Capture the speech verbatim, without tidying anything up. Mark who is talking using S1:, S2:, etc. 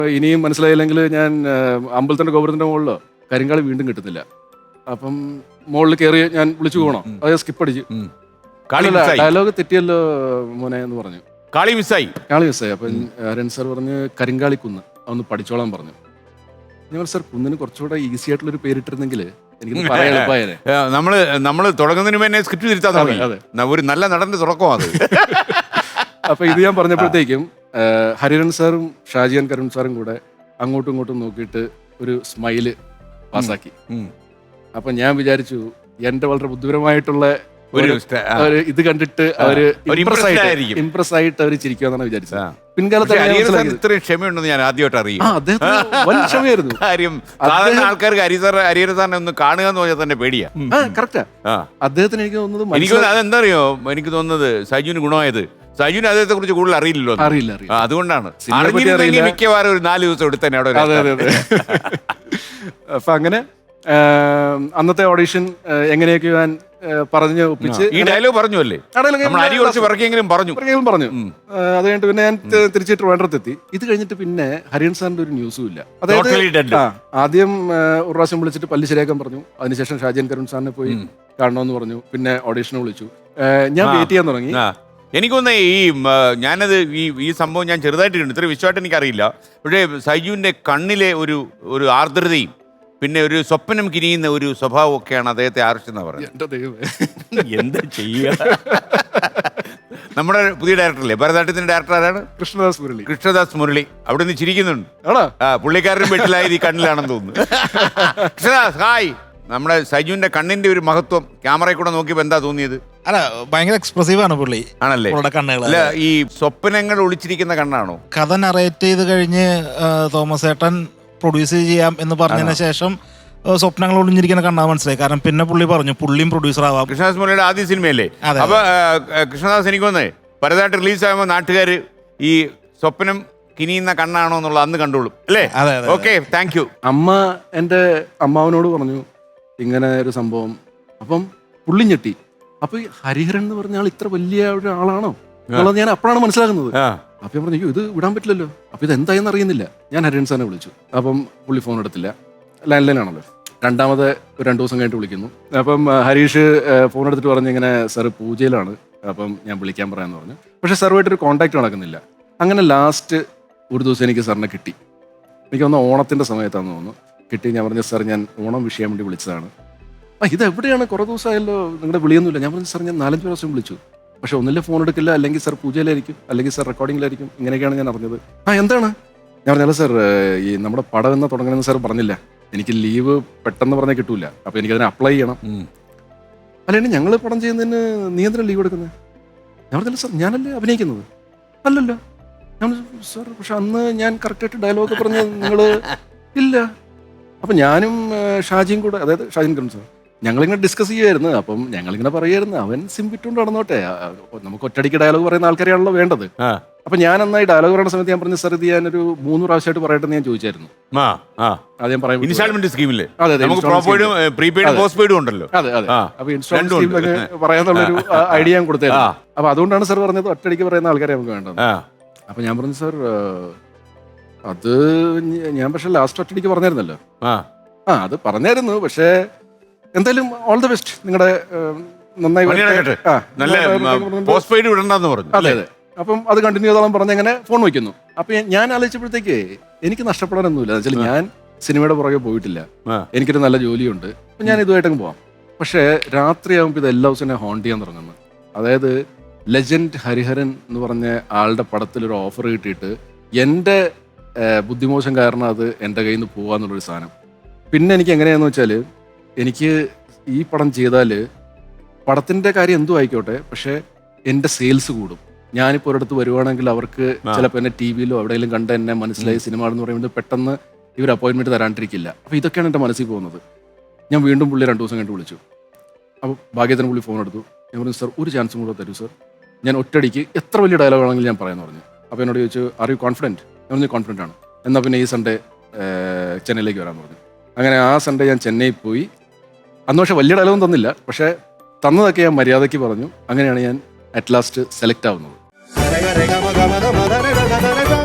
S1: ഇനിയും മനസ്സിലായില്ലെങ്കിൽ ഞാൻ അമ്പലത്തിന്റെ ഗോപുരത്തിന്റെ മുകളിലോ കരിങ്കാളി വീണ്ടും കിട്ടുന്നില്ല. അപ്പം മുകളിൽ കയറി ഞാൻ വിളിച്ചു പോകണം, അത് സ്കിപ്പ് അടിച്ചു. ഡയലോഗ് തെറ്റിയല്ലോ മോനെ എന്ന് പറഞ്ഞു.
S2: കാളി മിസ്സായി
S1: കാളി മിസ്സായി. അപ്പം ഹരൻ സാർ പറഞ്ഞ് കരിങ്കാളി കുന്ന് അതൊന്ന് പഠിച്ചോളാൻ പറഞ്ഞു. ഞാൻ സാർ കുന്നിന് കുറച്ചുകൂടെ ഈസി ആയിട്ടുള്ളൊരു പേരിട്ടിരുന്നെങ്കിൽ എനിക്ക് പറയാൻ എളുപ്പമായേനെ.
S2: നമ്മള് നമ്മള് തുടങ്ങുന്നതിന് മുന്നേ സ്ക്രിപ്റ്റ് തിരുത്താൻ തുടങ്ങി. ഒരു നല്ല നടന്റെ തുടക്കമാണ്.
S1: അപ്പൊ ഇത് ഞാൻ പറഞ്ഞപ്പോഴത്തേക്കും ഹരിഹരൻ സാറും ഷാജിയാൻ കരുൺ സാറും കൂടെ അങ്ങോട്ടും ഇങ്ങോട്ടും നോക്കിയിട്ട് ഒരു സ്മൈല് പാസ്സാക്കി. അപ്പൊ ഞാൻ വിചാരിച്ചു എന്റെ വളരെ ബുദ്ധിപരമായിട്ടുള്ള ഇത് കണ്ടിട്ട് അവര് ഇംപ്രസ് ആയിട്ട് അവര് ചിരിക്കുമെന്നാണ് വിചാരിച്ചത്. പിൻകാലത്ത്
S2: ഇത്രയും ക്ഷമയുണ്ടെന്ന് ഞാൻ ആദ്യമായിട്ട് അറിയും.
S1: ക്ഷമയായിരുന്നു.
S2: കാര്യം സാധാരണ ആൾക്കാർക്ക് ഹരിസാർ ഹരിഹര സാറിനെ ഒന്ന് കാണുക എന്ന് പറഞ്ഞാൽ തന്നെ പേടിയാ.
S1: കറക്റ്റാ. അദ്ദേഹത്തിന് എനിക്ക് തോന്നുന്നത്
S2: എനിക്ക് അതെന്താ അറിയോ, എനിക്ക് തോന്നുന്നത് സജുവിന് ഗുണമായത് സജുവിന് അദ്ദേഹത്തെ കുറിച്ച് കൂടുതൽ അറിയില്ലല്ലോ.
S1: അറിയില്ല.
S2: അതുകൊണ്ടാണ് മിക്കവാറും ഒരു നാല് ദിവസം എടുത്തന്നെ അവിടെ.
S1: അപ്പൊ അങ്ങനെ അന്നത്തെ ഓഡീഷൻ എങ്ങനെയൊക്കെ ഞാൻ പറഞ്ഞ് ഒപ്പിച്ച്
S2: ഈ ഡയലോഗ് പറഞ്ഞു അല്ലേ, പറഞ്ഞു
S1: പറഞ്ഞു അത് കഴിഞ്ഞിട്ട് പിന്നെ ഞാൻ തിരിച്ച് ട്രിവാൻഡ്രത്തെത്തി. ഇത് കഴിഞ്ഞിട്ട് പിന്നെ ഹരിഹരൻ സാറിന്റെ ഒരു ന്യൂസും ഇല്ല. അതായത് ആദ്യം ഒരു പ്രാവശ്യം വിളിച്ചിട്ട് പല്ല് ശരിയാക്കാൻ പറഞ്ഞു. അതിനുശേഷം ഷാജിയൻ കരുൺ സാറിനെ പോയി കാണണമെന്ന് പറഞ്ഞു. പിന്നെ ഓഡീഷന് വിളിച്ചു. ഞാൻ വെയിറ്റ് ചെയ്യാൻ തുടങ്ങി.
S2: എനിക്കൊന്ന് ഈ ഞാനത് ഈ ഈ സംഭവം ഞാൻ ചെറുതായിട്ടുണ്ട്, ഇത്ര വിശ്വമായിട്ട് എനിക്കറിയില്ല. പക്ഷേ സൈജുവിന്റെ കണ്ണിലെ ഒരു ഒരു ആർദ്രതയും പിന്നെ ഒരു സ്വപ്നം കിനിയുന്ന ഒരു സ്വഭാവം ഒക്കെയാണ് അദ്ദേഹത്തെ ആകർഷിച്ചെന്ന് പറയുന്നത്. എന്താ ചെയ്യുക? നമ്മുടെ പുതിയ ഡയറക്ടറല്ലേ, ഭരതനാട്യത്തിന്റെ ഡയറക്ടർ ആരാണ്?
S1: കൃഷ്ണദാസ് മുരളി.
S2: കൃഷ്ണദാസ് മുരളി അവിടെ നിന്ന് ചിരിക്കുന്നുണ്ട്. ആ പുള്ളിക്കാരനും വീട്ടിലായത് ഈ കണ്ണിലാണെന്ന് തോന്നുന്നു. കൃഷ്ണദാസ് ഹായ്. നമ്മുടെ സൈജുവിന്റെ കണ്ണിന്റെ ഒരു മഹത്വം ക്യാമറയിൽ കൂടെ നോക്കിയപ്പോ എന്താ തോന്നിയത്?
S3: അല്ല, ഭയങ്കര എക്സ്പ്രസീവ് ആണ് പുള്ളി.
S2: ആണല്ലേ?
S3: കണ്ണുകൾ
S2: അല്ല, ഈ സ്വപ്നങ്ങൾ ഒളിച്ചിരിക്കുന്ന കണ്ണാണോ?
S3: കഥ നറേറ്റ് ചെയ്ത് കഴിഞ്ഞ് തോമസ് ഏട്ടൻ പ്രൊഡ്യൂസ് ചെയ്യാം എന്ന് പറഞ്ഞതിന് ശേഷം സ്വപ്നങ്ങൾ ഒളിഞ്ഞിരിക്കുന്ന കണ്ണാ മനസ്സിലായി. കാരണം പിന്നെ പുള്ളി പറഞ്ഞു പുള്ളിയും പ്രൊഡ്യൂസർ ആവാം.
S2: കൃഷ്ണദാസ് മുരളിയുടെ ആദ്യ സിനിമയല്ലേ? അപ്പൊ കൃഷ്ണദാസ് എനിക്ക് വന്നേ പരതായിട്ട് റിലീസ് ആകുമ്പോൾ നാട്ടുകാർ ഈ സ്വപ്നം കിനിയുന്ന കണ്ണാണോ എന്നുള്ള അന്ന് കണ്ടോളും അല്ലേ? Okay, thank you.
S1: അമ്മ എൻ്റെ അമ്മാവനോട് പറഞ്ഞു ഇങ്ങനെ ഒരു സംഭവം. അപ്പം പുള്ളി ഞെട്ടി. അപ്പൊ ഈ ഹരിഹരൻ എന്ന് പറഞ്ഞ ആൾ ഇത്ര വലിയ ഒരാളാണോ എന്നുള്ളത് ഞാൻ അപ്പോഴാണ് മനസ്സിലാക്കുന്നത്. അപ്പൊ ഞാൻ പറഞ്ഞു ഇത് വിടാൻ പറ്റില്ലല്ലോ. അപ്പൊ ഇത് എന്തായെന്ന് അറിയുന്നില്ല. ഞാൻ ഹരിഹരൻ സാറിനെ വിളിച്ചു. അപ്പം പുള്ളി ഫോൺ എടുത്തില്ല, ലാൻഡ് ലൈൻ ആണല്ലോ. രണ്ടാമത് ഒരു രണ്ടു ദിവസം കഴിഞ്ഞിട്ട് വിളിക്കുന്നു. അപ്പം ഹരീഷ് ഫോൺ എടുത്തിട്ട് പറഞ്ഞു ഇങ്ങനെ സാർ പൂജയിലാണ്, അപ്പം ഞാൻ വിളിക്കാൻ പറയാമെന്ന് പറഞ്ഞു. പക്ഷെ സാറുമായിട്ടൊരു കോൺടാക്ട് നടക്കുന്നില്ല. അങ്ങനെ ലാസ്റ്റ് ഒരു ദിവസം എനിക്ക് സാറിനെ കിട്ടി. എനിക്ക് തോന്നുന്നു ഓണത്തിന്റെ സമയത്താണെന്ന് തോന്നുന്നു കിട്ടി. ഞാൻ പറഞ്ഞു സാർ ഞാൻ ഓണം വിഷയം വേണ്ടി വിളിച്ചതാണ്. ആ ഇത് എവിടെയാണ്, കുറേ ദിവസമായല്ലോ നിങ്ങളുടെ വിളിയൊന്നുമില്ല. ഞാൻ പറഞ്ഞു സാർ ഞാൻ നാലഞ്ച് പ്രാവശ്യം വിളിച്ചു, പക്ഷെ ഒന്നില്ല ഫോൺ എടുക്കില്ല, അല്ലെങ്കിൽ സാർ പൂജയിലായിരിക്കും, അല്ലെങ്കിൽ സാർ റെക്കോർഡിങ്ങിലായിരിക്കും. ഇങ്ങനെയൊക്കെയാണ് ഞാൻ അറിഞ്ഞത്. ആ എന്താണ്? ഞാൻ പറഞ്ഞാൽ സാർ ഈ നമ്മുടെ പടം എന്നാ തുടങ്ങണമെന്ന് സാർ പറഞ്ഞില്ല. എനിക്ക് ലീവ് പെട്ടെന്ന് പറഞ്ഞാൽ കിട്ടൂല, അപ്പൊ എനിക്കതിനെ അപ്ലൈ ചെയ്യണം. അല്ലെങ്കിൽ ഞങ്ങൾ പടം ചെയ്യുന്നതിന് നീ എന്തിനാ ലീവ് എടുക്കുന്നത്? ഞാൻ പറഞ്ഞില്ല സാർ ഞാനല്ലേ അഭിനയിക്കുന്നത്. അല്ലല്ലോ. ഞാൻ സാർ പക്ഷെ അന്ന് ഞാൻ കറക്റ്റായിട്ട് ഡയലോഗ് പറഞ്ഞ് നിങ്ങൾ ഇല്ല. അപ്പം ഞാനും ഷാജിയും കൂടെ, അതായത് ഷാജിൻ കരുൺ സാർ, ഞങ്ങളിങ്ങനെ ഡിസ്കസ് ചെയ്യുമായിരുന്നു. അപ്പം ഞങ്ങളിങ്ങനെ പറയുമായിരുന്നു അവൻ സിംപിട്ടുകൊണ്ട് നടന്നോട്ടെ, നമുക്ക് ഒറ്റടിക്ക് ഡയലോഗ് പറയുന്ന ആൾക്കാരെയാണല്ലോ വേണ്ടത്. അപ്പൊ ഞാൻ എന്നായി ഡയലോഗ് പറയുന്ന സമയത്ത് ഞാൻ പറഞ്ഞു സാർ ഇത് ഞാനൊരു മൂന്ന് പ്രാവശ്യമായിട്ട് പറയട്ടെ ഞാൻ ചോദിച്ചായിരുന്നു. അതെ അപ്പൊ ഇൻസ്റ്റാൾമെന്റ് പറയാന്നുള്ളൊരു ഐഡിയ ഞാൻ കൊടുത്തായിരുന്നു. അപ്പൊ അതുകൊണ്ടാണ് സാർ പറഞ്ഞത് ഒറ്റടിക്ക് പറയുന്ന ആൾക്കാരെ നമുക്ക് വേണ്ടത്. അപ്പൊ ഞാൻ പറഞ്ഞു സാർ അത് ഞാൻ പക്ഷെ ലാസ്റ്റ് ഒറ്റടിക്ക് പറഞ്ഞായിരുന്നല്ലോ. ആ അത് പറഞ്ഞായിരുന്നു. പക്ഷേ എന്തായാലും ഓൾ ദ ബെസ്റ്റ്, നിങ്ങളുടെ നന്നായി. അതെ അതെ. അപ്പം അത് കണ്ടിന്യൂ ചെയ്തോളം പറഞ്ഞ് അങ്ങനെ ഫോൺ വയ്ക്കുന്നു. അപ്പൊ ഞാൻ ആലോചിച്ചപ്പോഴത്തേക്ക് എനിക്ക് നഷ്ടപ്പെടാനൊന്നുമില്ല. വെച്ചാൽ ഞാൻ സിനിമയുടെ പുറകെ പോയിട്ടില്ല, എനിക്കൊരു നല്ല ജോലിയുണ്ട്, അപ്പൊ ഞാൻ ഇതുമായിട്ടങ്ങ് പോവാം. പക്ഷേ രാത്രിയാകുമ്പോൾ ഇത് എല്ലാ ദിവസവും എന്നെ ഹോണ്ട് ചെയ്യാൻ തുടങ്ങുന്നു. അതായത് ലെജൻഡ് ഹരിഹരൻ എന്ന് പറഞ്ഞ ആളുടെ പടത്തിൽ ഒരു ഓഫർ കിട്ടിയിട്ട് എൻ്റെ ബുദ്ധിമോശം കാരണം അത് എൻ്റെ കയ്യിൽ നിന്ന് പോകാന്നുള്ളൊരു സാധനം. പിന്നെ എനിക്ക് എങ്ങനെയാണെന്ന് വെച്ചാൽ എനിക്ക് ഈ പടം ചെയ്താൽ പടത്തിൻ്റെ കാര്യം എന്തും ആയിക്കോട്ടെ, പക്ഷേ എൻ്റെ സെയിൽസ് കൂടും. ഞാനിപ്പോൾ ഒരിടത്ത് വരുവാണെങ്കിൽ അവർക്ക് ചിലപ്പോൾ എന്നെ ടി വിയിലോ എവിടെയെങ്കിലും കണ്ട് എന്നെ മനസ്സിലായി സിനിമ എന്ന് പറയുന്നത് പെട്ടെന്ന് ഇവർ അപ്പോയിൻമെൻറ്റ് തരാണ്ടിരിക്കില്ല. അപ്പോൾ ഇതൊക്കെയാണ് എൻ്റെ മനസ്സിൽ പോകുന്നത്. ഞാൻ വീണ്ടും പുള്ളി രണ്ടു ദിവസം കഴിഞ്ഞിട്ട് വിളിച്ചു. അപ്പോൾ ഭാഗ്യത്തിന് പുള്ളി ഫോൺ എടുത്തു. ഞാൻ പറഞ്ഞു സാർ ഒരു ചാൻസും കൂടെ തരൂ സാർ, ഞാൻ ഒറ്റടിക്ക് എത്ര വലിയ ഡയലോഗാണെങ്കിലും ഞാൻ പറയാമെന്ന് പറഞ്ഞു. അപ്പോൾ എന്നോട് ചോദിച്ചു ആർ യു കോൺഫിഡൻറ്റ്? ഞാൻ പറഞ്ഞു കോൺഫിഡൻ്റ് ആണ്. എന്നാൽ പിന്നെ ഈ സൺഡേ ചെന്നൈയിലേക്ക് വരാമെന്ന് പറഞ്ഞു. അങ്ങനെ ആ സൺഡേ ഞാൻ ചെന്നൈയിൽ പോയി. അന്ന് പക്ഷേ വലിയ ഡയലോഗും തന്നില്ല, പക്ഷേ തന്നതൊക്കെ ഞാൻ മര്യാദയ്ക്ക് പറഞ്ഞു. അങ്ങനെയാണ് ഞാൻ അറ്റ് ലാസ്റ്റ് സെലക്ട് ആവുന്നത്.